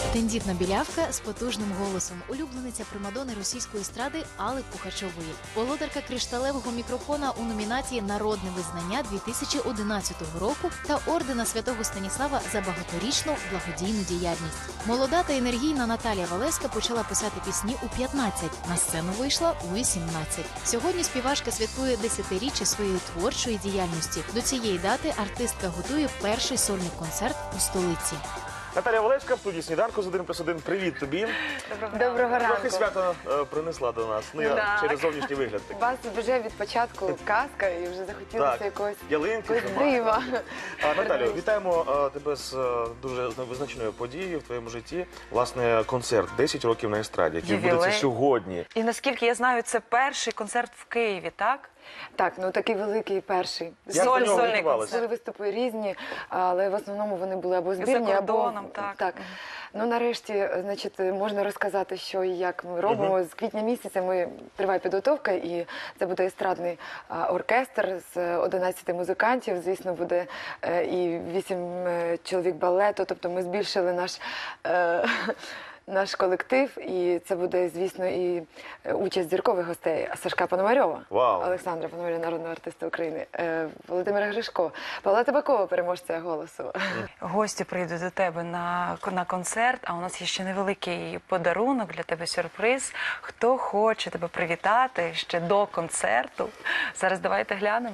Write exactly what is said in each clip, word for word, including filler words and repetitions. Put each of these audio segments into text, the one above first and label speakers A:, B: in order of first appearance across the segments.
A: Тендітна білявка з потужним голосом, улюблениця примадони російської естради Алли Пухачової, володарка кришталевого мікрофона у номінації «Народне визнання» дві тисячі одинадцятого року та ордена Святого Станіслава за багаторічну благодійну діяльність. Молода та енергійна Наталія Валевська почала писати пісні у п'ятнадцять, на сцену вийшла у вісімнадцять. Сьогодні співачка святкує десятиріччя своєї творчої діяльності. До цієї дати артистка готує перший сольний концерт у столиці.
B: Наталія Валевська в студії «Сніданку» з один плюс один. Привіт тобі.
C: Доброго ранку.
B: Трохи свято е, принесла до нас, ну, я, через зовнішній вигляд.
C: У вас вже від початку казка і вже захотілося
B: Так,
C: якогось
B: ялинки,
C: якогось дива.
B: А, Наталю, вітаємо е, тебе з е, дуже визначеною подією в твоєму житті. Власне, концерт «десять років на естраді», який відбудеться сьогодні.
D: І наскільки я знаю, це перший концерт в Києві, так?
C: Так, ну такий великий перший.
B: Як до нього
D: Сольний
B: готувалися?
C: Були виступи різні, але в основному вони були або збірні,
D: За кордоном,
C: або...
D: так.
C: так. Ну, нарешті, значить, можна розказати, що і як ми робимо.
B: Мгм.
C: З квітня місяця ми триває підготовка, і це буде естрадний а, оркестр з одинадцяти музикантів. Звісно, буде е, і вісім е, чоловік балету, тобто ми збільшили наш... Е, Наш колектив, і це буде, звісно, і участь зіркових гостей Сашка Пономарьова,
B: Вау.
C: Олександра Пономарьова, народного артиста України, е, Володимира Гришко, Павла Табакова, переможця «Голосу».
D: Гості прийдуть до тебе на, на концерт, а у нас є ще невеликий подарунок для тебе, сюрприз. Хто хоче тебе привітати ще до концерту? Зараз давайте глянемо.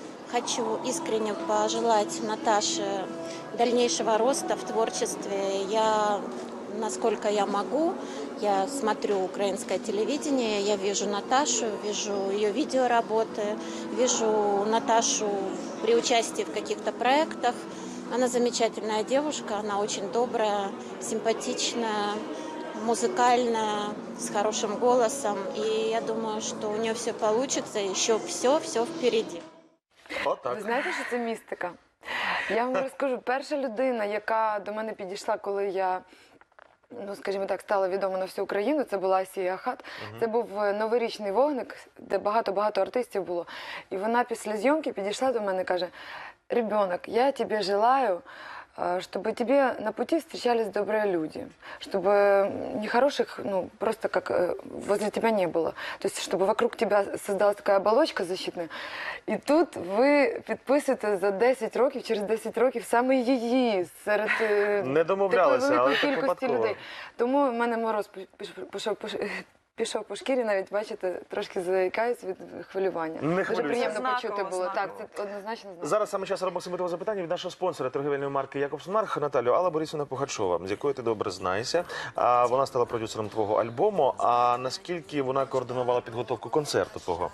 E: Хочу искренне пожелать Наташе дальнейшего роста в творчестве. Я, насколько я могу, я смотрю украинское телевидение, я вижу Наташу, вижу ее видеоработы, вижу Наташу при участии в каких-то проектах. Она замечательная девушка, она очень добрая, симпатичная, музыкальная, с хорошим голосом. И я думаю, что у нее все получится, еще все-все впереди.
B: Отак.
C: Ви знаєте, що це містика? Я вам розкажу, перша людина, яка до мене підійшла, коли я, ну, скажімо так, стала відома на всю Україну, це була Асія Ахат. Угу. Це був новорічний вогник, де багато-багато артистів було. І вона після зйомки підійшла до мене і каже: «Ребенок, я тебе желаю, чтобы тебе на пути встречались добрые люди, чтобы нехороших, ну, просто как возле тебя не было. То есть, чтобы вокруг тебя создалась такая оболочка защитная. І тут ви підписуєте за десять років, через десять років саме її серед
B: Не домовлялися,
C: такої
B: але
C: великої
B: так
C: кількості
B: випадково.
C: людей. Тому в мене мороз пішов по Пішов по шкірі, навіть, бачите, трошки заїкаюсь від хвилювання.
B: Не
C: Дуже
B: хвилюйся.
C: приємно
D: Знаково,
C: почути було.
D: знаково.
C: Так, це однозначно знаково.
B: Зараз саме час робимо символове запитання від нашого спонсора торгівельної марки «Якобсмарк» Наталю. Алла Борисівна Пухачова, з якою ти добре знаєшся. А вона стала продюсером твого альбому. А наскільки вона координувала підготовку концерту твого?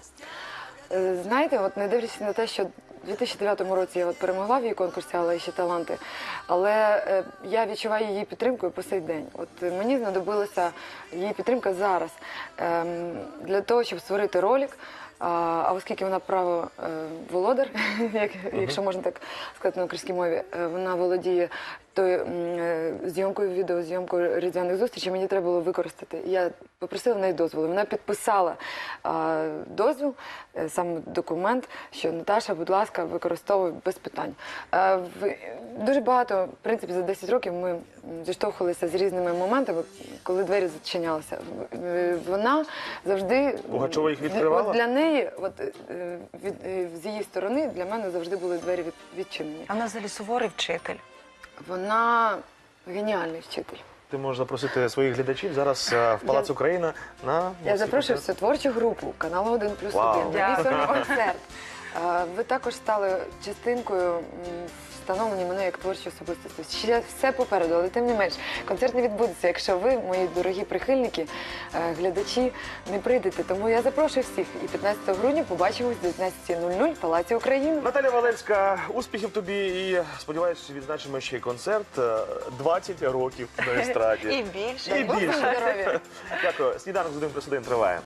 C: Знаєте, от не дивлячись на те, що у дві тисячі дев'ятому році я от перемогла в її конкурсі «Алла ще таланти», але е, я відчуваю її підтримку і по сей день. От е, мені знадобилася її підтримка зараз е, для того, щоб створити ролик. А, а оскільки вона право е, володар, як, якщо можна так сказати на українській мові, е, вона володіє тою е, зйомкою відео, зйомкою різдвяних зустрічей, мені треба було використати. Я попросила в неї дозволу. Вона підписала е, дозвіл, е, сам документ, що Наташа, будь ласка, використовуй без питань. Е, в, дуже багато, в принципі, за десять років ми зіштовхувалися з різними моментами, коли двері зачинялися. Е, вона завжди...
B: Пугачова їх відкривала?
C: От для неї, от, е, від, е, з її сторони, для мене завжди були двері від, відчинені.
D: А вона взагалі суворий вчитель.
C: Вона геніальний вчитель.
B: Ти можеш запросити своїх глядачів зараз е, в Палац
C: Я-
B: Україна на...
C: Я запрошую всю творчу групу каналу один плюс
B: Вау.
C: один. на мій сольний концерт. Е, Ви також стали частинкою м, встановлення мене як творчої особистості. Ще все попереду, але тим не менш, концерт не відбудеться, якщо ви, мої дорогі прихильники, е, глядачі, не прийдете. Тому я запрошую всіх. І п'ятнадцятого грудня побачимось о дев'ятнадцятій нуль нуль в Палаці України.
B: Наталя Валевська, успіхів тобі і, сподіваюся, відзначимо ще й концерт. е, двадцять років на естраді.
D: І більше.
B: І
C: Бог вам
B: більше.
C: здоров'я.
B: Дякую. Сніданок з один плюс один триває.